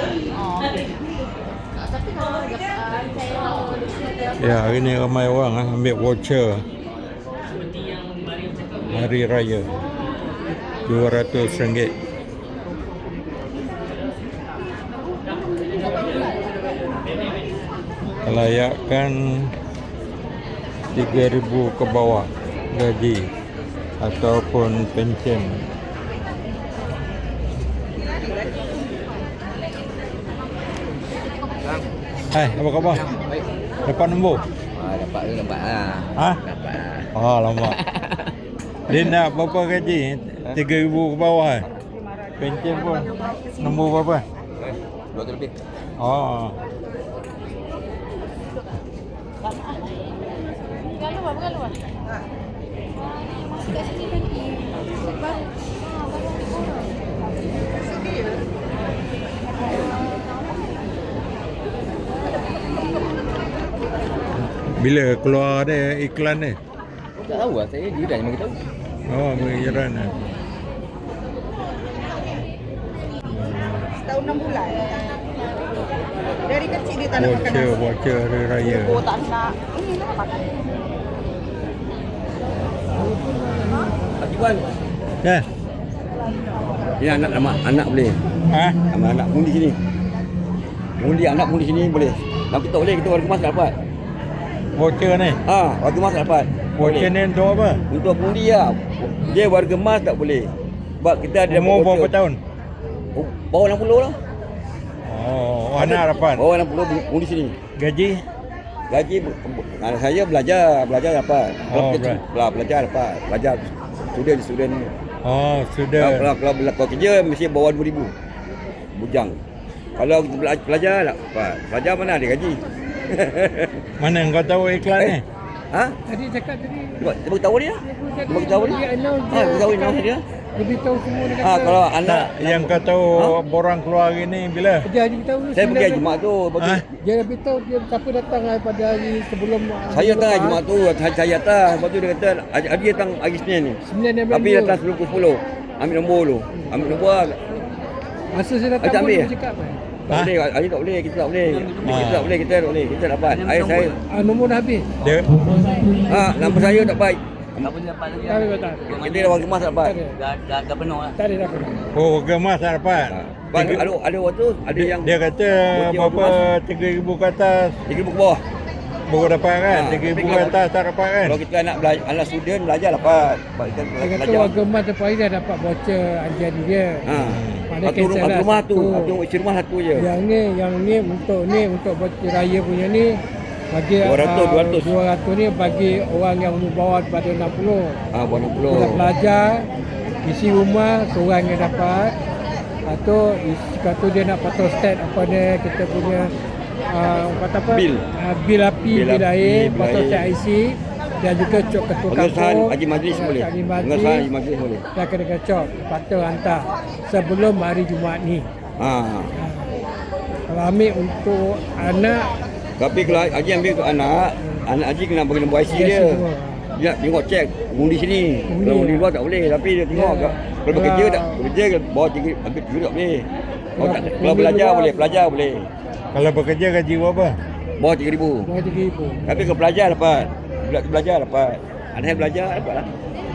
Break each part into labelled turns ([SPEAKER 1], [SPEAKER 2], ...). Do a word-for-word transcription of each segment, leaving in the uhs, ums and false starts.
[SPEAKER 1] Oh. Tapi kalau
[SPEAKER 2] Ya, hari ni ramai orang ah, ambil voucher Hari Raya dua ratus ringgit. Kelayakan tiga ribu ke bawah gaji ataupun pencen. Hai, apa khabar?
[SPEAKER 3] Baik.
[SPEAKER 2] Dapat nombor?
[SPEAKER 3] Ah, dapat tu dapat lah.
[SPEAKER 2] Ha?
[SPEAKER 3] Dapat lah.
[SPEAKER 2] Oh, lama. Dia nak berapa gaji? tiga ribu ke bawah eh? Pencen pun nombor berapa?
[SPEAKER 3] Eh, dua ratus lebih.
[SPEAKER 2] Oh.
[SPEAKER 1] Kalau apa kalau apa? Masih kat sini lagi. Baru.
[SPEAKER 2] Bila keluar dia iklan ni?
[SPEAKER 3] Tak tahu lah, saya jiran yang bagi tahu.
[SPEAKER 2] Oh, mengiran eh.
[SPEAKER 4] Setahun enam bulan. Dari kecil dia tak nak makan
[SPEAKER 2] Voucher,
[SPEAKER 4] nasi.
[SPEAKER 2] voucher Hari Raya.
[SPEAKER 1] Oh tak nak. Ini nak makan.
[SPEAKER 3] Pak Juan.
[SPEAKER 2] Ya.
[SPEAKER 3] Ini anak nama anak boleh.
[SPEAKER 2] Ha?
[SPEAKER 3] Nama anak pun di sini. Undi anak pun di sini boleh. Tapi tak boleh kita warga emas tak dapat.
[SPEAKER 2] Voucher ni.
[SPEAKER 3] Ha, warga emas tak dapat.
[SPEAKER 2] Voucher ni untuk apa?
[SPEAKER 3] Untuk undi lah. Dia warga emas tak boleh. Sebab kita ada
[SPEAKER 2] Umur berapa tahun?
[SPEAKER 3] Oh, bawah enam puluh lah.
[SPEAKER 2] Oh, anak dapat.
[SPEAKER 3] Bawah enam puluh undi sini.
[SPEAKER 2] Gaji?
[SPEAKER 3] Gaji anak saya belajar, belajar dapat. Kalau
[SPEAKER 2] Oh,
[SPEAKER 3] kita bela- belajar dapat. Belajar student student.
[SPEAKER 2] Oh,
[SPEAKER 3] Kalau,
[SPEAKER 2] sudah.
[SPEAKER 3] kalau, kalau, kalau kerja mesti bawah dua ribu. Bujang. Kalau kita bela- belajar tak dapat. Belajar mana ada gaji.
[SPEAKER 2] Mana kau tahu iklan ni?
[SPEAKER 3] Eh, ha?
[SPEAKER 5] Tadi cakap tadi.
[SPEAKER 3] Cuba cuba tahu dia. Cuba tahu dia.
[SPEAKER 5] Dia announce
[SPEAKER 3] Ha, kita tahu dia dia.
[SPEAKER 5] Lebih tahu semua dia
[SPEAKER 3] Ha,
[SPEAKER 5] kata.
[SPEAKER 3] kalau
[SPEAKER 2] Tak,
[SPEAKER 3] anak
[SPEAKER 2] yang kau tahu
[SPEAKER 3] Ha?
[SPEAKER 2] borang keluar hari ni bila?
[SPEAKER 5] Dia lebih tahu.
[SPEAKER 3] saya pergi hari Jumaat tu,
[SPEAKER 2] Ha?
[SPEAKER 3] bagi
[SPEAKER 5] Dia lebih tahu dia siapa datang pada hari sebelum.
[SPEAKER 3] saya datang hari Jumaat tu, saya saya datang. Lepas tu dia kata hari hari datang hari Senin ni.
[SPEAKER 5] Sembilan November.
[SPEAKER 3] Tapi datang sebelum pukul sepuluh. Ambil nombor dulu. Ambil nombor lah.
[SPEAKER 5] Masa saya datang
[SPEAKER 3] Ada
[SPEAKER 5] pun
[SPEAKER 3] ambil
[SPEAKER 5] dia
[SPEAKER 3] ya?
[SPEAKER 5] cakap kan.
[SPEAKER 3] Tak
[SPEAKER 2] Ha?
[SPEAKER 3] boleh, hari tak boleh, kita tak boleh.
[SPEAKER 2] Ha.
[SPEAKER 3] Kita tak boleh, kita tak boleh, kita tak dapat. Saya saya
[SPEAKER 5] Ah, nombor dah habis.
[SPEAKER 2] Dia
[SPEAKER 3] ha, nombor saya tak baik.
[SPEAKER 6] Tak boleh dapat lagi.
[SPEAKER 5] Tak ada tak.
[SPEAKER 3] Kita dah warga emas tak dapat.
[SPEAKER 5] Tak ada.
[SPEAKER 6] Dah, dah, dah penuh lah.
[SPEAKER 5] Tak ada dah pernah.
[SPEAKER 2] oh, gemas tak dapat.
[SPEAKER 3] Ha. Sebab Ada ada ada waktu ada
[SPEAKER 2] Dia,
[SPEAKER 3] yang
[SPEAKER 2] dia kata
[SPEAKER 3] Voucher
[SPEAKER 2] berapa
[SPEAKER 3] warga
[SPEAKER 2] tiga ribu ke atas
[SPEAKER 3] tiga ribu ke bawah.
[SPEAKER 2] baru dapat kan?
[SPEAKER 3] Ha,
[SPEAKER 2] tiga ribu
[SPEAKER 3] tapi
[SPEAKER 2] ke
[SPEAKER 3] kalau-
[SPEAKER 2] atas tak dapat kan?
[SPEAKER 3] Kalau kita anak belajar, anak student belajar dapat. Sebab kita
[SPEAKER 5] Dia kata
[SPEAKER 3] belajar.
[SPEAKER 5] warga emas tempat hari dah dapat voucher ajar dia.
[SPEAKER 3] Ha.
[SPEAKER 5] Ada
[SPEAKER 3] Satu rumah,
[SPEAKER 5] cancel
[SPEAKER 3] satu
[SPEAKER 5] lah,
[SPEAKER 3] rumah tu,
[SPEAKER 5] satu.
[SPEAKER 3] satu isi rumah satu je.
[SPEAKER 5] Yang ni, yang ni untuk ni untuk voucher raya punya ni bagi
[SPEAKER 3] dua ratus,
[SPEAKER 5] ah,
[SPEAKER 3] dua ratus.
[SPEAKER 5] dua ratus ni bagi orang yang umur bawah daripada enam puluh.
[SPEAKER 3] Ah, buat enam puluh.
[SPEAKER 5] Bila belajar isi rumah seorang yang dapat. Lepas tu isi tu dia nak photostat apa ni kita punya uh, kata apa?
[SPEAKER 3] Bil.
[SPEAKER 5] Uh, bil api,
[SPEAKER 3] Bil
[SPEAKER 5] bil,
[SPEAKER 3] api,
[SPEAKER 5] air,
[SPEAKER 3] bil
[SPEAKER 5] photostat
[SPEAKER 3] air.
[SPEAKER 5] I C dan juga cok ketua
[SPEAKER 3] Pengesahan
[SPEAKER 5] kampung.
[SPEAKER 3] haji majlis boleh.
[SPEAKER 5] Haji
[SPEAKER 3] Pengesahan haji
[SPEAKER 5] majlis.
[SPEAKER 3] majlis boleh.
[SPEAKER 5] Dah kena kecok. Lepas tu hantar sebelum hari Jumaat ni.
[SPEAKER 3] Ha.
[SPEAKER 5] Kalau ambil untuk anak
[SPEAKER 3] Tapi kalau haji ambil untuk anak, anak haji kena bagi nombor I C
[SPEAKER 5] I C
[SPEAKER 3] dia.
[SPEAKER 5] semua.
[SPEAKER 3] Dia tengok cek undi sini.
[SPEAKER 5] Undi.
[SPEAKER 3] Kalau undi luar tak boleh, tapi dia tengok
[SPEAKER 5] Ya.
[SPEAKER 3] kalau bekerja
[SPEAKER 5] Kalau-
[SPEAKER 3] tak bekerja bawa tiga ambil tiga tak boleh. Kalau, tak,
[SPEAKER 5] Kalau
[SPEAKER 3] kalau
[SPEAKER 5] undi
[SPEAKER 3] belajar
[SPEAKER 5] luar-
[SPEAKER 3] boleh, pelajar boleh.
[SPEAKER 5] Kalau
[SPEAKER 2] bekerja gaji berapa?
[SPEAKER 3] Bawah tiga ribu.
[SPEAKER 5] bawah tiga ribu.
[SPEAKER 3] Tapi kalau belajar dapat. Bela- Belajar dapat. Anak saya belajar dapat lah.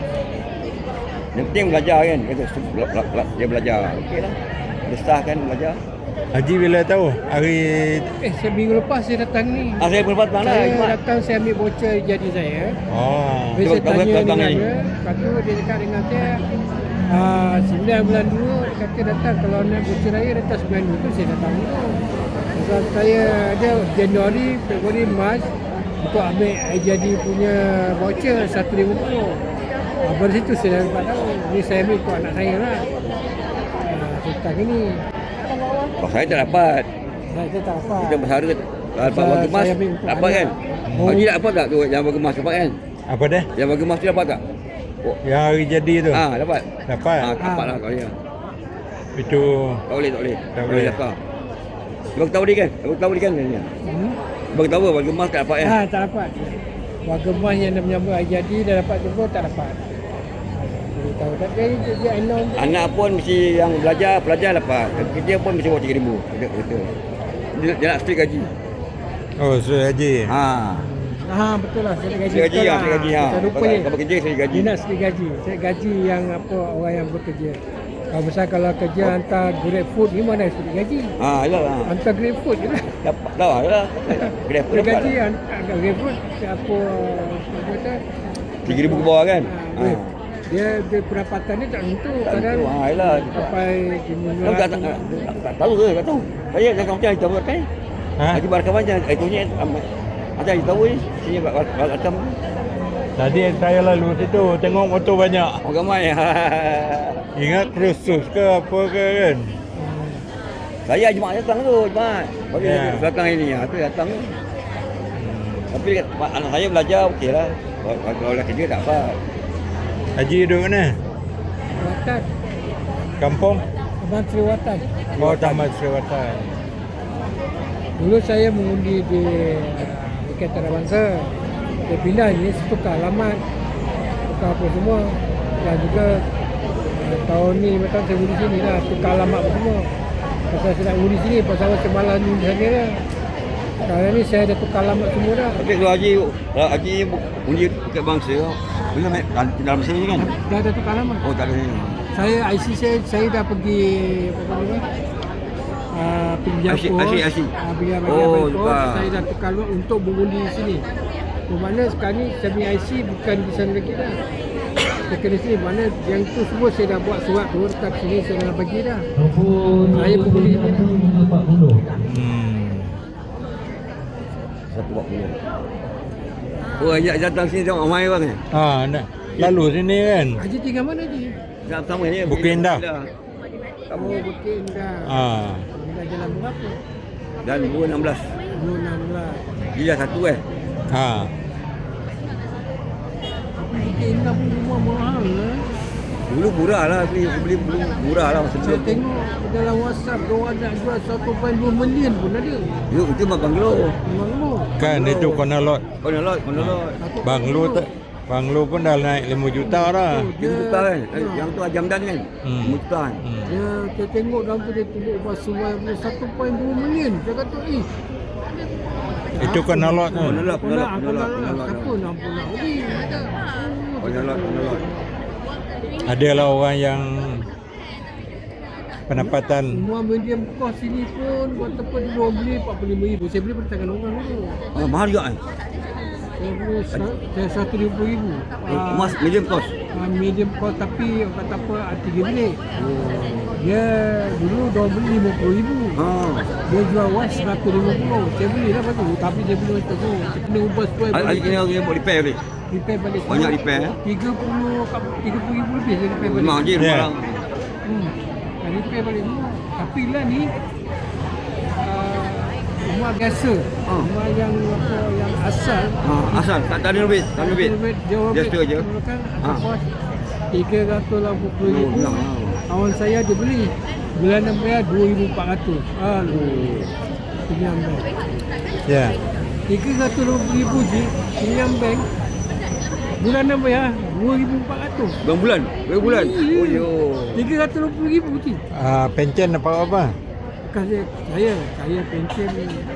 [SPEAKER 3] Yang penting belajar kan. Kata, su- bela- bela- bela- dia belajar. Okey lah. Dia sah kan belajar.
[SPEAKER 2] Haji bila tahu? Hari
[SPEAKER 5] Eh, seminggu lepas saya datang ni.
[SPEAKER 3] Ah, saya berlepas mana?
[SPEAKER 5] Saya datang, saya ambil voucher jadi saya.
[SPEAKER 2] oh.
[SPEAKER 5] Habis saya
[SPEAKER 3] Tahu- tahu
[SPEAKER 5] tanya
[SPEAKER 3] datang
[SPEAKER 5] dengan
[SPEAKER 3] ni.
[SPEAKER 5] dia. Lepas tu dia cakap dengan saya, ah, sembilan bulan dulu, dia kata datang kalau nak voucher raya datang sembilan dulu tu saya datang dulu. Sebab saya ada Januari, Februari, Mac untuk ambil I jadi punya voucher satu ribu puluh. Ah, baru situ saya dapat tahu. Ni saya ambil untuk anak saya lah. Ah, saya datang ni.
[SPEAKER 3] Oh, saya tak dapat.
[SPEAKER 5] Saya, saya tak dapat.
[SPEAKER 3] Kita bersara dapat
[SPEAKER 5] Saya-
[SPEAKER 3] warga emas
[SPEAKER 5] saya ambil untuk
[SPEAKER 3] dapat kan?
[SPEAKER 5] anak.
[SPEAKER 3] Oh. Haji dapat tak tu yang warga emas dapat kan?
[SPEAKER 2] Apa dah?
[SPEAKER 3] Yang warga emas tu dapat tak? Oh.
[SPEAKER 2] Yang hari jadi tu?
[SPEAKER 3] Ah, dapat.
[SPEAKER 2] Dapat?
[SPEAKER 3] Ah, dapat lah kau dia.
[SPEAKER 2] Itu
[SPEAKER 3] Tak boleh, tak boleh.
[SPEAKER 2] Tak boleh.
[SPEAKER 3] dapat. Bagi tahu dia kan? Bagi tahu dia kan ni.
[SPEAKER 5] Hmm?
[SPEAKER 3] Bagi tahu warga emas tak dapat kan?
[SPEAKER 5] Ha, tak dapat. Warga emas yang nak menyambut hari jadi dah dapat jumpa tak dapat. tahu. Tak dia dia announce.
[SPEAKER 3] Anak pun mesti yang belajar, pelajar dapat. Kerja pun mesti bawa tiga ribu. Dia, dia, dia, dia nak straight gaji.
[SPEAKER 2] Oh, sudah haji.
[SPEAKER 3] Ha.
[SPEAKER 5] Ha, betul lah. Saya gaji.
[SPEAKER 3] Straight gaji,
[SPEAKER 5] betul
[SPEAKER 3] ha, straight gaji. Ha.
[SPEAKER 5] Kita lupa
[SPEAKER 3] Kalau
[SPEAKER 5] ni.
[SPEAKER 3] kalau kerja, straight gaji.
[SPEAKER 5] Dia nak straight gaji. Straight gaji yang apa orang yang bekerja. Kalau misal kalau kerja
[SPEAKER 3] Oh.
[SPEAKER 5] hantar Grab Food ni mana straight gaji?
[SPEAKER 3] Ha, yalah lah.
[SPEAKER 5] Hantar Grab Food je lah.
[SPEAKER 3] Dapat dah lah. Grab pun
[SPEAKER 5] Straight
[SPEAKER 3] dapat.
[SPEAKER 5] gaji hantar Grab Food apa apa kata?
[SPEAKER 3] tiga ribu ke bawah kan?
[SPEAKER 5] Ha,
[SPEAKER 3] Ha.
[SPEAKER 5] dia dia pendapatan dia tak tentu.
[SPEAKER 3] Tak
[SPEAKER 5] Kadang
[SPEAKER 3] tentu. Ha, yalah.
[SPEAKER 5] sampai
[SPEAKER 3] Tahu tak, tak, tak, tak, tak tahu ke? Tak tahu. Saya jangan macam itu pakai.
[SPEAKER 2] Ha?
[SPEAKER 3] Haji Barakam macam itu ni. Macam itu tahu ni. Sini Barakam.
[SPEAKER 2] Tadi saya lalu situ tengok motor banyak.
[SPEAKER 3] Orang ramai.
[SPEAKER 2] Ingat krusus ke apa ke kan?
[SPEAKER 3] Saya Jumaat datang tu, Jumaat. Bagi
[SPEAKER 2] Ya.
[SPEAKER 3] belakang ini, ha, tu datang tu. Tapi anak saya belajar okey lah. Kalau kalau nak kerja tak apa.
[SPEAKER 2] Haji duduk mana?
[SPEAKER 5] Watan,
[SPEAKER 2] Kampung?
[SPEAKER 5] Abang Sri Watan.
[SPEAKER 2] Oh, Taman Sriwatan.
[SPEAKER 5] Dulu saya mengundi di Wilayah Antarabangsa. Dia pindah ni tukar alamat, tukar apa semua. Dan juga eh, tahun ni lima tahun saya undi sini lah, tukar alamat apa semua. Pasal saya nak undi sini, pasal saya malas ni di sana lah. Sekarang ni saya dah tukar alamat semua dah.
[SPEAKER 3] Tapi kalau Haji, kalau Haji undi dekat bangsa, bila main dalam sini kan?
[SPEAKER 5] Dah dah tukar alamat.
[SPEAKER 3] Oh, tak ada ni.
[SPEAKER 5] Saya I C saya saya dah pergi apa nama? Uh, pergi
[SPEAKER 3] I C, I C, I C.
[SPEAKER 5] Uh, pergi bagi
[SPEAKER 3] Oh,
[SPEAKER 5] oh,
[SPEAKER 3] tukar.
[SPEAKER 5] saya dah tukar luar untuk mengundi di sini. Bermakna sekarang ni saya punya I C bukan di sana lagi dah. Saya kena sini, mana yang tu semua saya dah buat surat tu dekat sini saya dah bagi dah. Saya mengundi ni dah.
[SPEAKER 2] Hmm.
[SPEAKER 3] Satu buat puluh. Oh, ajak datang sini tengok ramai orang ni.
[SPEAKER 2] Ha, nak lalu sini kan?
[SPEAKER 5] Haji tinggal mana Haji?
[SPEAKER 3] Sama ni.
[SPEAKER 2] Bukit Indah.
[SPEAKER 3] Kamu
[SPEAKER 5] Oh, Bukit Indah.
[SPEAKER 2] Ha.
[SPEAKER 5] Indah jalan berapa?
[SPEAKER 3] dan dua enam belas.
[SPEAKER 5] dua enam belas.
[SPEAKER 3] Dia satu eh.
[SPEAKER 2] Ha.
[SPEAKER 5] Bukit Indah pun rumah mahal lah.
[SPEAKER 3] Dulu murah lah beli, beli dulu murah lah masa
[SPEAKER 5] Saya
[SPEAKER 3] dulu.
[SPEAKER 5] tengok dalam WhatsApp diorang nak jual satu perpuluhan dua million pun ada.
[SPEAKER 3] Itu itu mah banglo.
[SPEAKER 5] Memang lu.
[SPEAKER 2] Kan itu konolot.
[SPEAKER 3] Konolot, konolot.
[SPEAKER 2] Banglo tak Banglo pun dah naik lima juta dah.
[SPEAKER 3] Lima juta kan. Eh, Yang tu Jamdan kan.
[SPEAKER 2] Hmm.
[SPEAKER 3] Lima juta kan.
[SPEAKER 2] Hmm.
[SPEAKER 5] Dia, saya tengok dalam tu dia tulis ubah sungai punya satu perpuluhan dua million. Saya kata, eh.
[SPEAKER 2] Itu konolot kan.
[SPEAKER 3] Konolot, konolot,
[SPEAKER 5] Aku
[SPEAKER 3] konolot,
[SPEAKER 5] nak,
[SPEAKER 3] konolot.
[SPEAKER 5] siapa nak pun nak beli.
[SPEAKER 3] Konolot, konolot.
[SPEAKER 2] Adalah orang yang pendapatan
[SPEAKER 5] Semua medium cost sini pun buat tempat dulu orang beli empat puluh lima ribu. Saya beli pada tangan orang dulu.
[SPEAKER 3] Ah, mahal juga kan.
[SPEAKER 5] Saya beli sa- saya seratus lima puluh ribu. Ah,
[SPEAKER 3] Emas medium cost.
[SPEAKER 5] ah, medium cost tapi orang kata apa ah, tiga bilik. Dia dulu dia beli lima puluh ribu.
[SPEAKER 3] Ha.
[SPEAKER 5] Dia jual was seratus lima puluh. Saya beli lah lepas tu. Tapi saya beli macam tu. Saya kena ubah sesuai
[SPEAKER 3] Hari
[SPEAKER 5] balik.
[SPEAKER 3] kena kena buat repair balik.
[SPEAKER 5] Repair balik.
[SPEAKER 3] Banyak repair, eh?
[SPEAKER 5] tiga puluh, tiga puluh ribu lebih saya repair balik.
[SPEAKER 3] Memang je
[SPEAKER 2] Ya.
[SPEAKER 3] barang.
[SPEAKER 5] Hmm. Saya repair balik semua. Tapi lah ni uh, rumah biasa.
[SPEAKER 3] Ha.
[SPEAKER 5] Rumah yang apa yang asal.
[SPEAKER 3] Ha, asal tak tak ada duit, tak ada duit.
[SPEAKER 5] Jauh
[SPEAKER 3] Just tu je. Ha.
[SPEAKER 5] tiga ratus lapan puluh ribu.
[SPEAKER 3] Oh,
[SPEAKER 5] Kawan saya dia beli. Bulanan bayar dua ribu empat ratus. Aduh. Pinjam bank.
[SPEAKER 2] ya.
[SPEAKER 5] tiga ratus lima puluh ribu je. Pinjam bank. Bulanan bayar dua ribu empat ratus.
[SPEAKER 3] Berapa bulan? Berapa bulan?
[SPEAKER 5] Iya.
[SPEAKER 3] Oh yo.
[SPEAKER 5] tiga ratus lima puluh ribu je.
[SPEAKER 2] Ah, pencen dapat apa?
[SPEAKER 5] Bukan saya, saya, saya pension.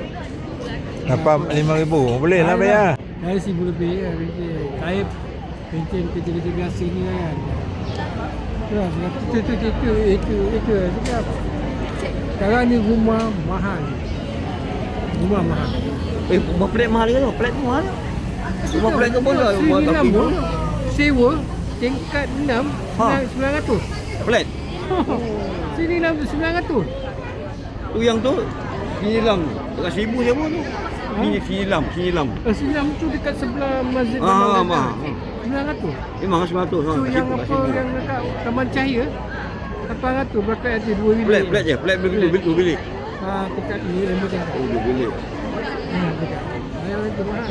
[SPEAKER 2] Dapat lima ribu. Boleh lah bayar.
[SPEAKER 5] Saya seribu lebih ya. Pension. Saya pension kerja-kerja biasa ni kan. Ya, itu, itu, itu, itu, itu, itu, itu. Sekarang ni rumah mahal. Rumah mahal.
[SPEAKER 3] Eh, rumah flat mahal ke tu? Flat tu mahal. Rumah flat tu pun lah. Rumah
[SPEAKER 5] Sini enam
[SPEAKER 3] tapi
[SPEAKER 5] pun. Sewa tingkat enam
[SPEAKER 3] Ha.
[SPEAKER 5] sembilan ratus.
[SPEAKER 3] flat.
[SPEAKER 5] Sini enam sembilan ratus.
[SPEAKER 3] Tu yang tu Sinilam. Dekat seribu je pun tu. Sini Sinilam, Sinilam.
[SPEAKER 5] Eh, Sinilam tu dekat sebelah masjid.
[SPEAKER 3] Ah, mah.
[SPEAKER 5] sembilan ratus.
[SPEAKER 3] Memang sembilan ratus.
[SPEAKER 5] Tu yang apa yang dekat Taman Cahaya lapan ratus berapa ada dua bilik.
[SPEAKER 3] Flat, flat je. Flat dua bilik, dua bilik.
[SPEAKER 5] Ha, dekat ni lima tingkat.
[SPEAKER 3] Oh, dua bilik.
[SPEAKER 5] Hmm, dekat. Yang itu mahal.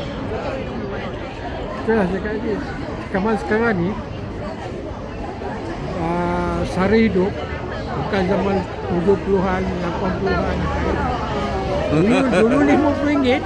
[SPEAKER 5] Itulah saya kata lagi. Zaman sekarang ni uh, sara hidup bukan zaman tujuh puluhan, lapan puluhan. Dulu, dulu lima puluh ringgit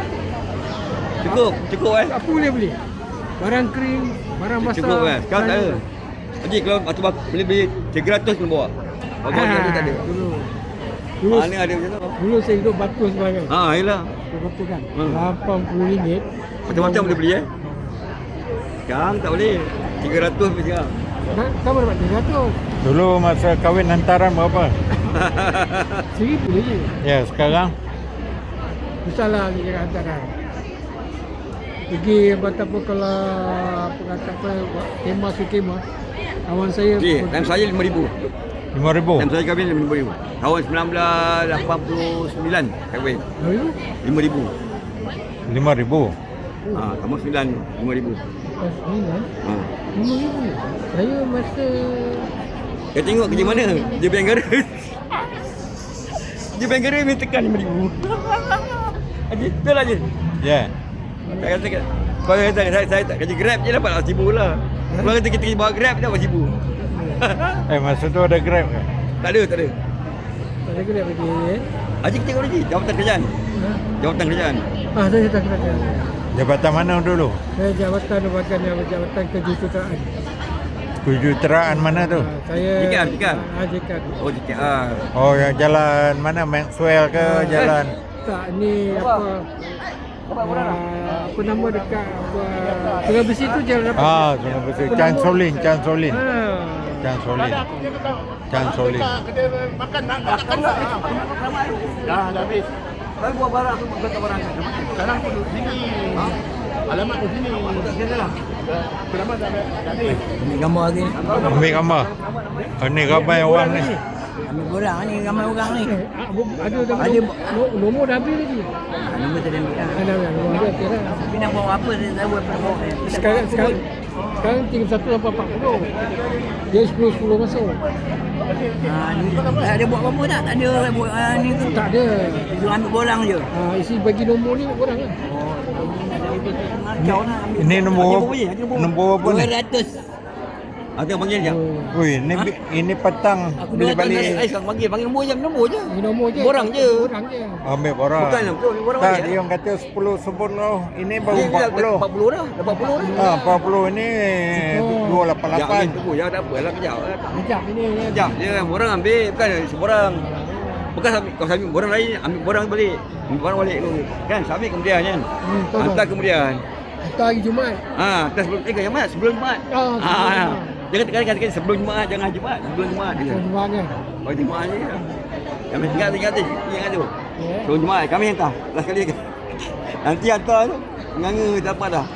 [SPEAKER 3] Cukup, cukup eh.
[SPEAKER 5] apa boleh beli? Barang kering, barang masak.
[SPEAKER 3] Cukup eh. Sekarang tak ada. Haji kalau batu bak boleh beli tiga ratus kena bawa. Bawa
[SPEAKER 5] Ah,
[SPEAKER 3] dia tak ada.
[SPEAKER 5] Dulu. Dulu,
[SPEAKER 3] Mana ada macam tu?
[SPEAKER 5] dulu saya hidup batu sebagai.
[SPEAKER 3] Ha, yalah.
[SPEAKER 5] Berapa kan?
[SPEAKER 3] Hmm.
[SPEAKER 5] lapan puluh ringgit.
[SPEAKER 3] Macam-macam boleh beli eh. Sekarang tak boleh. tiga ratus beli sekarang.
[SPEAKER 5] Kan kamu dapat tiga ratus.
[SPEAKER 2] Dulu masa kahwin hantaran berapa?
[SPEAKER 5] Seribu je.
[SPEAKER 2] Ya, sekarang
[SPEAKER 5] Besarlah ni kira hantaran. Pergi betapa kalau apa kata apa kemah tu kemah. Kawan saya
[SPEAKER 3] Okey, time saya lima ribu.
[SPEAKER 2] lima ribu.
[SPEAKER 3] Time saya kahwin lima ribu. Tahun sembilan belas lapan puluh sembilan kahwin.
[SPEAKER 5] Lalu
[SPEAKER 3] lima ribu.
[SPEAKER 2] lima ribu.
[SPEAKER 3] Ha, kamu sembilan lima ribu.
[SPEAKER 5] pas sembilan
[SPEAKER 3] Ha.
[SPEAKER 5] lima ribu. Saya masa
[SPEAKER 3] Kau tengok kerja mana? Dia bank negara. Dia bank negara minta tekan lima ribu. Haji, betul Haji?
[SPEAKER 2] Ya.
[SPEAKER 3] Tak kata kat. Kau kata saya, saya tak kerja Grab je dapat lah seribu lah. Kau kata kita kerja bawa Grab dapat seribu.
[SPEAKER 2] Eh, masa tu ada Grab ke?
[SPEAKER 3] Tak ada, tak ada.
[SPEAKER 5] saya kena pergi eh.
[SPEAKER 3] Haji kita Haji, jawatan kerajaan.
[SPEAKER 5] Ha?
[SPEAKER 3] Jawatan kerajaan.
[SPEAKER 5] Ah saya tak kena.
[SPEAKER 2] Jabatan mana dulu?
[SPEAKER 5] Saya jawatan bagian yang jawatan kejuruteraan.
[SPEAKER 2] Kejuruteraan mana tu?
[SPEAKER 5] Ah, saya
[SPEAKER 3] J K R, J K R.
[SPEAKER 5] Ah, J K R.
[SPEAKER 3] Oh, J K R.
[SPEAKER 2] Oh, yang jalan mana? Maxwell ke
[SPEAKER 5] Ah,
[SPEAKER 2] jalan?
[SPEAKER 5] Tak, ni apa? Ah, apa nama dekat apa? Sungai Besi tu jalan apa?
[SPEAKER 2] Ah, Sungai Besi. Chan Solin, Chan Solin.
[SPEAKER 5] Ah.
[SPEAKER 2] Chan Solin. Chan Solin.
[SPEAKER 7] Dah, dah habis.
[SPEAKER 3] Saya buat barang tu kata barang.
[SPEAKER 7] Sekarang tu duduk sini. Ha? Alamat di sini.
[SPEAKER 3] Tak kena lah.
[SPEAKER 7] Selamat dah dah habis.
[SPEAKER 6] Ambil gambar lagi ni.
[SPEAKER 2] Ambil gambar. Oh, ni gambar orang ni.
[SPEAKER 6] Ambil orang ni, gambar orang ni.
[SPEAKER 5] Eh, ah, bu- ada dah
[SPEAKER 6] Ada.
[SPEAKER 5] no- nombor dah habis lagi.
[SPEAKER 6] Nombor tak ada ambil lah.
[SPEAKER 5] Ada ada nombor ada okey dah.
[SPEAKER 6] Tapi nak bawa apa saya tak buat apa.
[SPEAKER 5] Sekarang sekarang sekarang tinggal satu lapan empat puluh. Dia sepuluh sepuluh masuk.
[SPEAKER 6] Ha, ni tak ada buat apa-apa tak? Tak ada buat ah, ni tu.
[SPEAKER 5] Tak ada.
[SPEAKER 6] Dia ambil borang je.
[SPEAKER 5] Ah, isi bagi nombor ni orang kan.
[SPEAKER 6] Kau nak ambil.
[SPEAKER 2] Ini nombor
[SPEAKER 3] Haji Bobo je, Haji Bobo.
[SPEAKER 2] nombor apa ni?
[SPEAKER 6] dua ratus.
[SPEAKER 3] Ah, tengok panggil jap.
[SPEAKER 5] Oh,
[SPEAKER 2] Ui, ni bi- ini petang
[SPEAKER 6] Aku
[SPEAKER 2] bila
[SPEAKER 6] dua tahun
[SPEAKER 2] balik
[SPEAKER 3] Eh, sekarang panggil, panggil nombor je, nombor je.
[SPEAKER 5] ini nombor je.
[SPEAKER 3] Borang je.
[SPEAKER 5] Borang je.
[SPEAKER 2] ambil orang.
[SPEAKER 3] Bukan lah, betul, orang
[SPEAKER 2] Tak,
[SPEAKER 3] balik,
[SPEAKER 2] dia orang kata sepuluh sepuluh. Ini baru
[SPEAKER 3] Dia
[SPEAKER 2] empat
[SPEAKER 3] dah
[SPEAKER 2] puluh.
[SPEAKER 3] empat puluh dah, dah empat puluh dah.
[SPEAKER 2] Ah, empat puluh ni
[SPEAKER 5] Oh.
[SPEAKER 2] dua lapan
[SPEAKER 3] Sekejap
[SPEAKER 2] lapan.
[SPEAKER 3] ni, tunggu, ya tak apa lah, kejap.
[SPEAKER 5] Kejap ini. ya.
[SPEAKER 3] Sekejap je, borang ambil, bukan seborang. Bukan sambil, kau sambil borang lain, ambil borang balik. Ambil borang balik dulu. Kan, sambil kemudian kan.
[SPEAKER 5] Hmm, tahu,
[SPEAKER 3] Hantar
[SPEAKER 5] tahu.
[SPEAKER 3] kemudian.
[SPEAKER 5] Hantar hari Jumaat.
[SPEAKER 3] Ha, hantar sebelum, eh, Jumaat, sebelum Jumaat.
[SPEAKER 5] Ah, sebelum
[SPEAKER 3] Ah,
[SPEAKER 5] Jumaat.
[SPEAKER 3] Jangan tekan tekan sebelum Jumaat, jangan Jumaat, sebelum Jumaat dia.
[SPEAKER 5] Hari Jumaat kan.
[SPEAKER 3] Oh, Jumaat je. Kami tinggal tinggal tu, ingat tu.
[SPEAKER 5] Ya.
[SPEAKER 3] Sebelum Jumaat kami hantar. Last kali nanti hantar tu. Nganga dapat dah.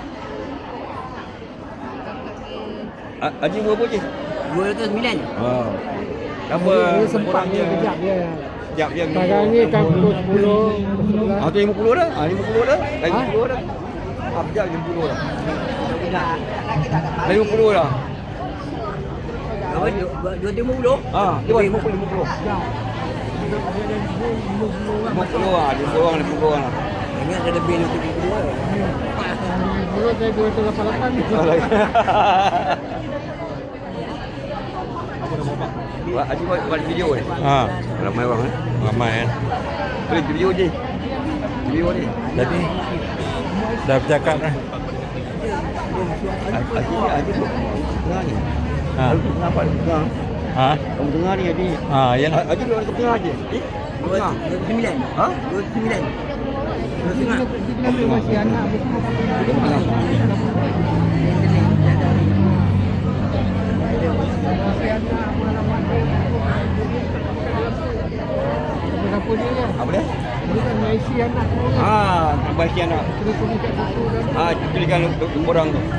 [SPEAKER 3] Ha- Haji berapa je?
[SPEAKER 6] dua ratus sembilan.
[SPEAKER 3] Oh. Apa?
[SPEAKER 5] Dia sempat dia kejap dia.
[SPEAKER 3] Sekejap je.
[SPEAKER 5] Sekarang ni kan pukul sepuluh, pukul sebelas.
[SPEAKER 3] Ah tu lima puluh dah. Ah lima puluh dah. Dah
[SPEAKER 5] Ha?
[SPEAKER 3] lima puluh dah. Ah sekejap lima puluh dah. Dah lima puluh dah.
[SPEAKER 6] Berapa? Dua dua lima puluh.
[SPEAKER 3] Ah, dia buat lima puluh lima puluh. lima puluh ah, lima puluh orang lima puluh orang lah.
[SPEAKER 6] Ingat ada lebih lima puluh lah.
[SPEAKER 5] Dulu saya dua ratus lapan puluh lapan ni.
[SPEAKER 3] Buat Haji buat, buat video eh.
[SPEAKER 2] Ah,
[SPEAKER 3] Ramai orang eh.
[SPEAKER 2] ramai kan.
[SPEAKER 3] Boleh video je. Video ni.
[SPEAKER 2] Jadi dah bercakap dah.
[SPEAKER 3] Haji Haji tengah ni.
[SPEAKER 2] Ha.
[SPEAKER 3] Haji kenapa tengah?
[SPEAKER 2] Ha?
[SPEAKER 3] Kamu tengah ni Haji.
[SPEAKER 2] Ah, ya.
[SPEAKER 3] Haji duduk ke tengah je. Eh?
[SPEAKER 6] Dua
[SPEAKER 3] Tengah.
[SPEAKER 6] ratus sembilan.
[SPEAKER 3] Ha?
[SPEAKER 6] Dua ratus sembilan. Dua
[SPEAKER 5] Kita
[SPEAKER 6] setengah.
[SPEAKER 5] kita masih anak bersama.
[SPEAKER 3] Tengah.
[SPEAKER 5] Berapa dia kan?
[SPEAKER 3] Apa dia?
[SPEAKER 5] Dia kan Malaysia anak semua kan.
[SPEAKER 3] Ah, terbaik anak.
[SPEAKER 5] Kita pergi kat situ dan
[SPEAKER 3] Ah, tuliskan nombor orang tu.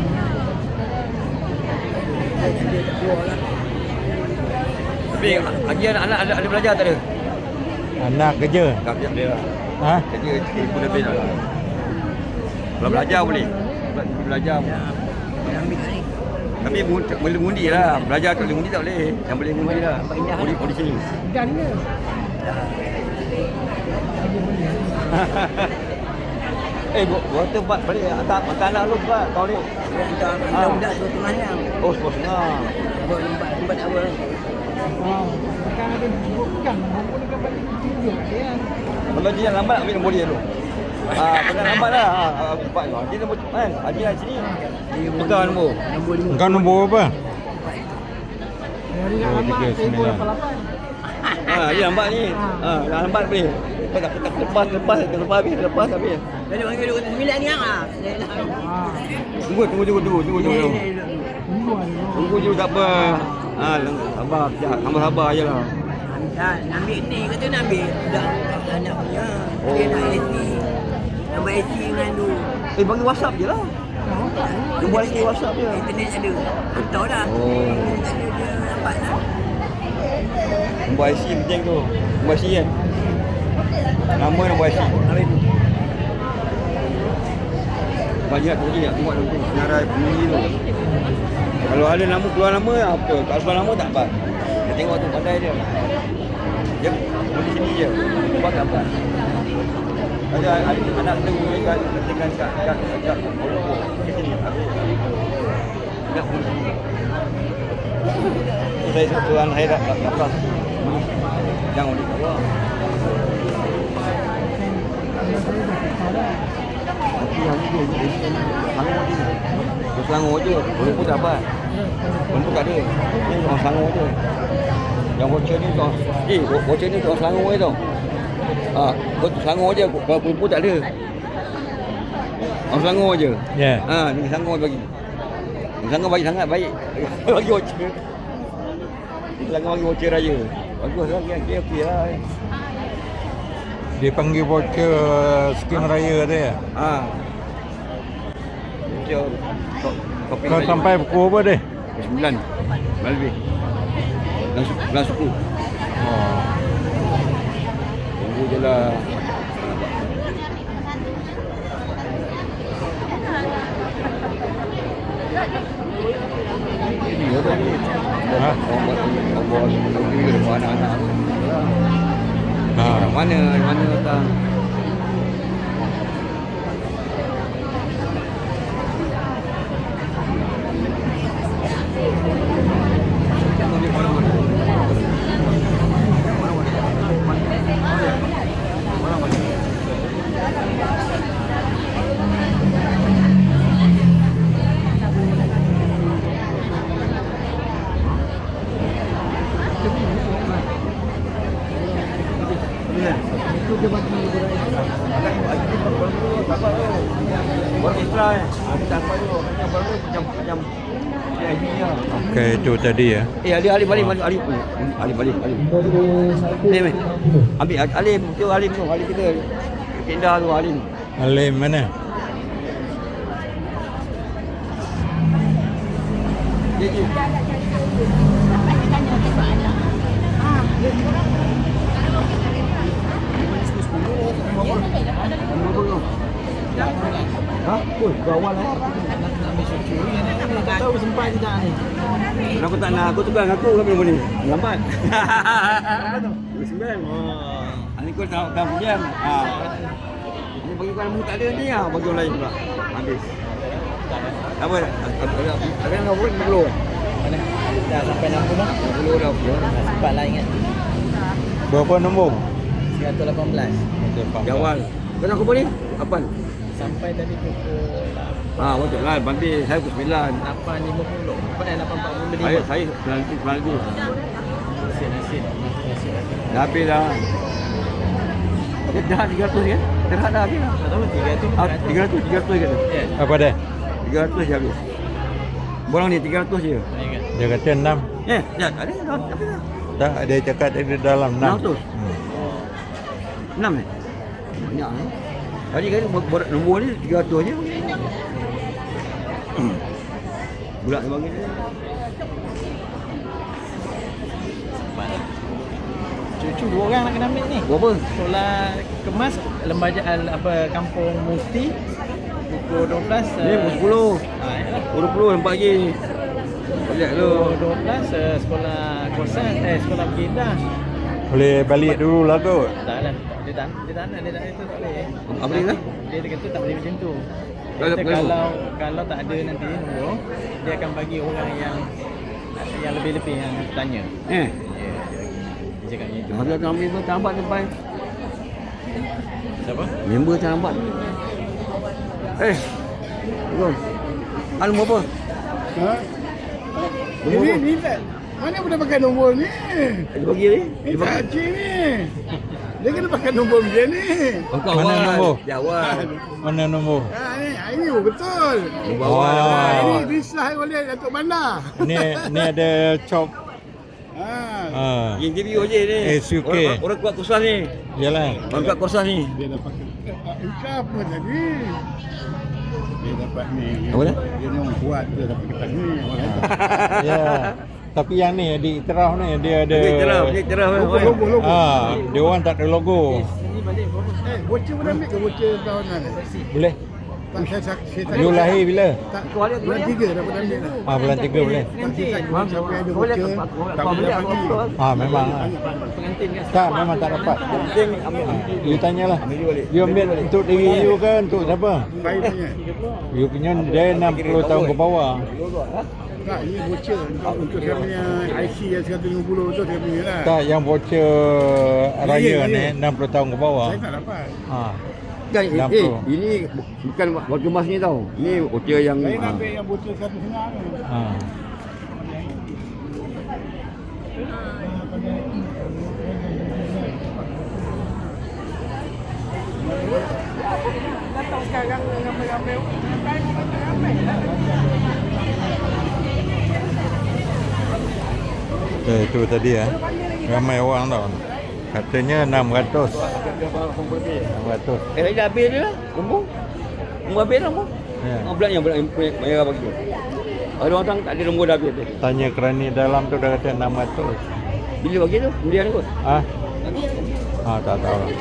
[SPEAKER 3] Tapi Haji anak-anak ada, ada belajar tak ada?
[SPEAKER 2] Anak kerja.
[SPEAKER 3] Tak kerja dia lah.
[SPEAKER 2] Ha?
[SPEAKER 3] Kerja eh, pun lebih dah. Kalau belajar boleh. Bela- Belajar boleh.
[SPEAKER 6] Ambil kat ni.
[SPEAKER 3] Tapi mu- boleh mengundi lah. Belajar tu boleh mengundi tak boleh. Yang boleh mengundi lah. Undi, undi sini.
[SPEAKER 5] dan ke?
[SPEAKER 3] Eh, gua, gua tempat balik. Atak makan anak lu buat. Kau ni.
[SPEAKER 6] Kita
[SPEAKER 3] Ah.
[SPEAKER 6] budak dua setengah ni.
[SPEAKER 3] Oh, sepuluh setengah.
[SPEAKER 6] Buat tempat tempat awal.
[SPEAKER 5] Oh, kan ada bukan. Nombor ni kan balik tunjuk dia.
[SPEAKER 3] Kalau dia lambat ambil nombor dia dulu. Ah, kena lambat lah. Ah, ah, empat tu. Dia nombor kan. Haji lah sini. Tukar nombor.
[SPEAKER 6] Nombor lima.
[SPEAKER 2] Kau nombor apa?
[SPEAKER 5] Dari nak
[SPEAKER 2] Oh,
[SPEAKER 5] lambat
[SPEAKER 2] tiga
[SPEAKER 5] seribu
[SPEAKER 2] sembilan.
[SPEAKER 5] lapan lapan.
[SPEAKER 3] Ha, dia lambat ni. Ha, dah lambat boleh. Lepas lepas lepas lepas lepas habis lepas habis.
[SPEAKER 6] Jadi panggil dua puluh sembilan ni ah.
[SPEAKER 5] Ha.
[SPEAKER 3] Tunggu tunggu tunggu tunggu tunggu tunggu.
[SPEAKER 5] Tunggu ada.
[SPEAKER 3] Tunggu je tak apa. Ha, sabar sekejap. Sabar sabar ajalah.
[SPEAKER 6] Tak, nak ambil ni kata nak ambil budak anak punya.
[SPEAKER 3] Oh.
[SPEAKER 6] Dia nak A C. Nombor A C dengan tu.
[SPEAKER 3] Eh bagi WhatsApp je lah. Dia buat lagi WhatsApp je.
[SPEAKER 6] Internet ada. Tahu dah.
[SPEAKER 3] Oh.
[SPEAKER 6] Internet ada dia nampak lah.
[SPEAKER 3] Nombor I C penting tu. Nombor I C kan. Nama nombor I C.
[SPEAKER 6] Habis tu.
[SPEAKER 3] Banyak tu lagi nak tengok tu. Senarai bunyi tu. Kalau ada nama keluar nama apa? Kalau keluar nama tak apa. Dia tengok tu pandai dia. Dia boleh sini je. Buat tak apa. Ada ada anak tu kat ketinggalan kat kat kat Kolombo. Di sini. Tak boleh. Saya tuan saya dah tak tak. Jangan di bawah. Yang ni Selangor je. Selangor je. Kolombo tak apa. Kolombo tak ada. Ni orang Selangor je. Yang voucher ni tu. Eh, voucher ni tu Selangor je tau. Ah, ha, Selangor je. Kalau Kolombo tak ada. Orang Selangor je.
[SPEAKER 2] Ya.
[SPEAKER 3] Ha, ni Selangor bagi. Selangor bagi sangat baik. Bagi voucher. Selangor bagi voucher raya. Bagus lah. Okey okey lah.
[SPEAKER 2] Dia panggil voucher skim raya dia. Ya?
[SPEAKER 3] Ha. Voucher. Kopi
[SPEAKER 2] Kau
[SPEAKER 3] raya.
[SPEAKER 2] sampai pukul apa deh?
[SPEAKER 3] sembilan. Lebih. Belas suku.
[SPEAKER 2] Oh.
[SPEAKER 3] Tunggu je lah. Ini apa ni?
[SPEAKER 2] Ha?
[SPEAKER 3] Orang buat orang buat mobil depan anak-anak.
[SPEAKER 2] Ha.
[SPEAKER 3] Orang mana? Mana datang?
[SPEAKER 2] Okey, itu tadi ya.
[SPEAKER 3] Eh, Ali Ali balik balik Ali Ali balik Ali. Ni meh. Ambil Alim tu Alim tu Ali kita. Pindah tu Alim.
[SPEAKER 2] Alim mana?
[SPEAKER 3] Dia je. Ha? Oi, kawan lah.
[SPEAKER 6] Tak tahu sempat je tak ni.
[SPEAKER 3] Kenapa tak nak? Kau tukar dengan aku kan belum ni. Lambat. Sembilan. Oh. Ini kau tak tak diam. Ha. Ini bagi kau nombor tak ada ni ah, bagi orang lain pula. Habis. Apa? Ada yang nombor lima puluh.
[SPEAKER 6] Mana? Dah sampai enam puluh dah.
[SPEAKER 3] lima puluh dah.
[SPEAKER 6] Dah sempat lah ingat.
[SPEAKER 2] Berapa nombor?
[SPEAKER 6] seratus lapan belas.
[SPEAKER 3] Di awal. Kau nak apa ni? Kapan?
[SPEAKER 6] Sampai tadi pukul
[SPEAKER 3] Ha, betul lah. Banti saya pukul sembilan.
[SPEAKER 6] lapan lima puluh. Apa dah lapan empat puluh lima.
[SPEAKER 3] Saya saya sembilan sembilan lagi.
[SPEAKER 6] Nasib nasib. Nasib.
[SPEAKER 3] Dah habis dah. Dia dah tiga ratus kan? Dah dah habis dah.
[SPEAKER 6] Tak tahu tiga ratus.
[SPEAKER 3] Ah, tiga ratus, tiga ratus kata.
[SPEAKER 6] Ya.
[SPEAKER 2] Apa dah?
[SPEAKER 3] tiga ratus je habis. Borang ni tiga ratus je.
[SPEAKER 6] Ingat.
[SPEAKER 2] Dia kata enam.
[SPEAKER 3] Eh, dah tak ada dah habis dah.
[SPEAKER 2] Tak, dia cakap tadi dalam enam.
[SPEAKER 3] enam ratus.
[SPEAKER 2] Hmm.
[SPEAKER 3] enam ni. Banyak ni. Tadi kan nombor, nombor ni tiga ratus je. Budak dia bagi dia.
[SPEAKER 6] Cucu dua orang nak kena ambil ni.
[SPEAKER 3] Berapa?
[SPEAKER 6] Sekolah kemas lembaga apa kampung Musti pukul dua belas.
[SPEAKER 3] Ni pukul sepuluh.
[SPEAKER 6] Ha yalah.
[SPEAKER 3] dua puluh nampak lagi. Balik tu.
[SPEAKER 6] Pukul dua belas uh, sekolah kosan eh sekolah Begindah.
[SPEAKER 2] Boleh balik dulu lah kot.
[SPEAKER 6] Tak lah. Dia tak dia tak nak dia tak itu tak boleh.
[SPEAKER 3] Apa dia kata?
[SPEAKER 6] Dia kata tak boleh macam tu.
[SPEAKER 3] Kalau-
[SPEAKER 6] Kata
[SPEAKER 3] kalau-
[SPEAKER 6] kalau kalau tak ada nanti nombor, dia akan bagi orang yang yang lebih-lebih yang tanya.
[SPEAKER 3] Eh,
[SPEAKER 6] Ya, dia bagi. Dia cakap macam tu.
[SPEAKER 3] ada tak member terlambat sampai.
[SPEAKER 6] Siapa?
[SPEAKER 3] Member terlambat. Eh. Tunggu. Anu berapa?
[SPEAKER 5] Ha?
[SPEAKER 3] Nombor
[SPEAKER 5] Ini
[SPEAKER 3] apa?
[SPEAKER 5] ni tak.
[SPEAKER 7] Mana boleh pakai nombor ni?
[SPEAKER 3] Dia bagi ni.
[SPEAKER 7] Ini tak cik ni. Dia kena pakai nombor macam ni.
[SPEAKER 3] Oh, kau
[SPEAKER 2] Mana
[SPEAKER 3] awal.
[SPEAKER 2] nombor?
[SPEAKER 3] Dia awal.
[SPEAKER 2] Mana nombor?
[SPEAKER 7] Ha, ni, ini betul.
[SPEAKER 3] Nombor awal.
[SPEAKER 2] Oh.
[SPEAKER 7] Ha,
[SPEAKER 3] awal.
[SPEAKER 7] ini disah oleh Datuk Bandar.
[SPEAKER 2] Ni ni ada chop.
[SPEAKER 7] Ha.
[SPEAKER 2] Ah.
[SPEAKER 3] Interview je ni.
[SPEAKER 2] S U K.
[SPEAKER 3] Orang, orang kuat kursus ni.
[SPEAKER 2] Yalah.
[SPEAKER 3] Orang kuat kursus ni.
[SPEAKER 7] Dia dapat Ika apa tadi? Dia dapat ni.
[SPEAKER 3] Apa dah?
[SPEAKER 7] Dia ni orang kuat, dia dapat kertas ni. Orang kata.
[SPEAKER 2] Ya. Tapi yang ni di iktiraf ni dia ada
[SPEAKER 3] Dia cerah, dia cerah.
[SPEAKER 7] Logo, logo, logo.
[SPEAKER 2] Ah, dia orang tak ada logo.
[SPEAKER 7] Eh, bocor boleh ambil ke bocor tahunan ni?
[SPEAKER 2] Boleh.
[SPEAKER 7] Tak, saya, saya, saya tak.
[SPEAKER 2] You lahir bila?
[SPEAKER 7] Tak, bulan tiga dapat ambil lah.
[SPEAKER 2] Ah, bulan tiga boleh.
[SPEAKER 7] Nanti tak kena siapa yang ada bocor, tak boleh dapat lagi.
[SPEAKER 2] Ah, memang. ah. Tak, memang tak dapat.
[SPEAKER 3] Penting ambil.
[SPEAKER 2] You tanyalah.
[SPEAKER 3] Ambil dia balik.
[SPEAKER 2] You ambil untuk diri you ke untuk siapa?
[SPEAKER 7] Baik punya.
[SPEAKER 2] You punya dia enam puluh tahun ke bawah.
[SPEAKER 7] Tak, ini bocor untuk, untuk saya punya I C yang seratus lima puluh tu saya punya lah.
[SPEAKER 2] Tak, yang voucher raya
[SPEAKER 7] Ya, ya,
[SPEAKER 2] ni
[SPEAKER 7] ya.
[SPEAKER 2] enam puluh tahun ke bawah.
[SPEAKER 7] Saya tak dapat.
[SPEAKER 2] Ha.
[SPEAKER 3] Kan, eh,
[SPEAKER 2] enam
[SPEAKER 3] eh,
[SPEAKER 2] puluh.
[SPEAKER 3] ini bu- bukan waktu emas ni tau. Ni bocor yang
[SPEAKER 7] Saya nak
[SPEAKER 3] ah.
[SPEAKER 7] ambil yang bocor satu setengah tu.
[SPEAKER 2] Ha.
[SPEAKER 4] Datang sekarang ramai-ramai. Ramai lah.
[SPEAKER 2] Eh, itu tadi ya. Ramai orang tau. Katanya enam ratus. enam ratus.
[SPEAKER 3] Eh, dah habis dia lah. Nombor. Nombor habis lah nombor.
[SPEAKER 2] Ya.
[SPEAKER 3] Orang belakang yang belakang punya merah bagi. Ada orang tak ada nombor dah habis.
[SPEAKER 2] Tanya kerani dalam tu dah kata enam ratus.
[SPEAKER 3] Bila bagi tu? Kemudian kot.
[SPEAKER 2] Ah? Ah, tak tahu lah.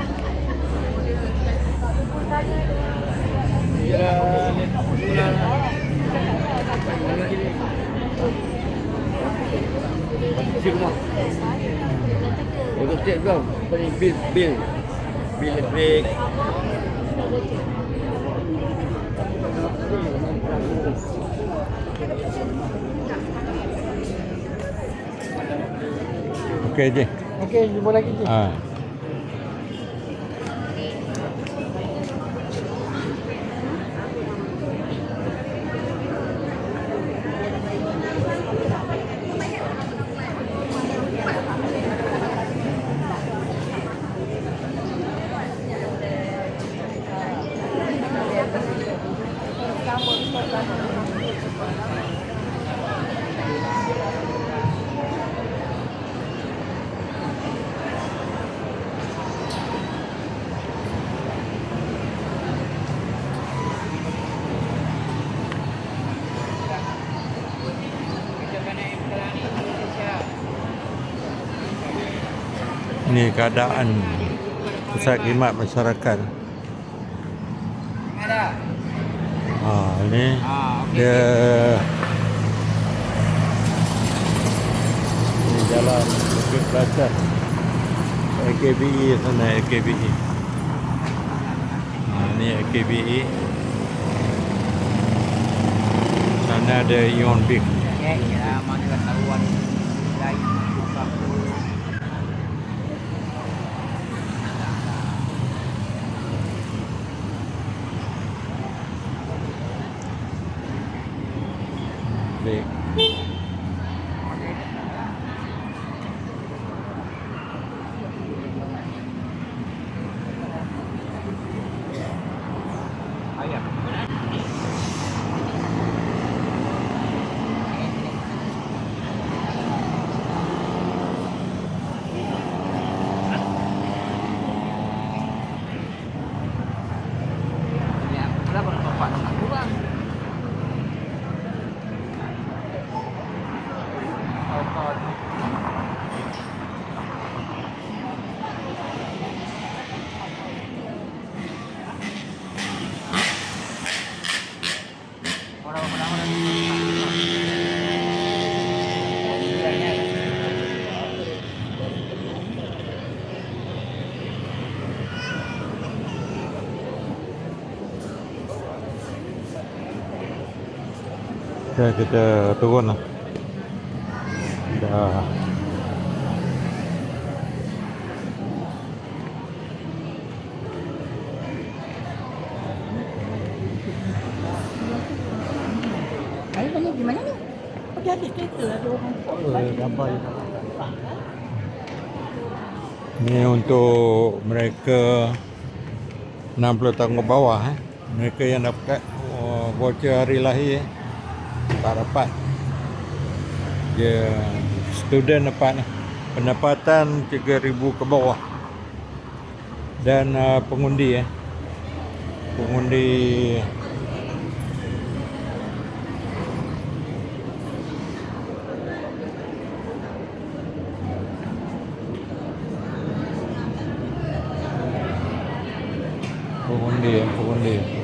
[SPEAKER 3] Si rumah. Untuk cek kau. Apa ni? Bil. Bil. Bil elektrik.
[SPEAKER 2] Okey je.
[SPEAKER 5] Okey, jumpa lagi je.
[SPEAKER 2] Ah. Ini keadaan pusat khidmat masyarakat. Ah, ini dia ini jalan Bukit Belacan A K B E sana A K B E. Ah, ini A K B E. Sana ada Ion Big.
[SPEAKER 6] Ya, mana taruhan lain.
[SPEAKER 2] Big.
[SPEAKER 6] Berapa bapak? Kurang.
[SPEAKER 2] Okay, kita turun lah. Dah.
[SPEAKER 1] Air banyak di mana ni? Jadi kereta ada orang.
[SPEAKER 6] Oh, gambar je.
[SPEAKER 2] Ni untuk mereka enam puluh tahun ke bawah eh. Mereka yang dapat oh, voucher hari lahir eh. Tak dapat. Dia student dapat eh. Pendapatan tiga ribu ke bawah. Dan uh, pengundi eh. Pengundi pengundi eh, pengundi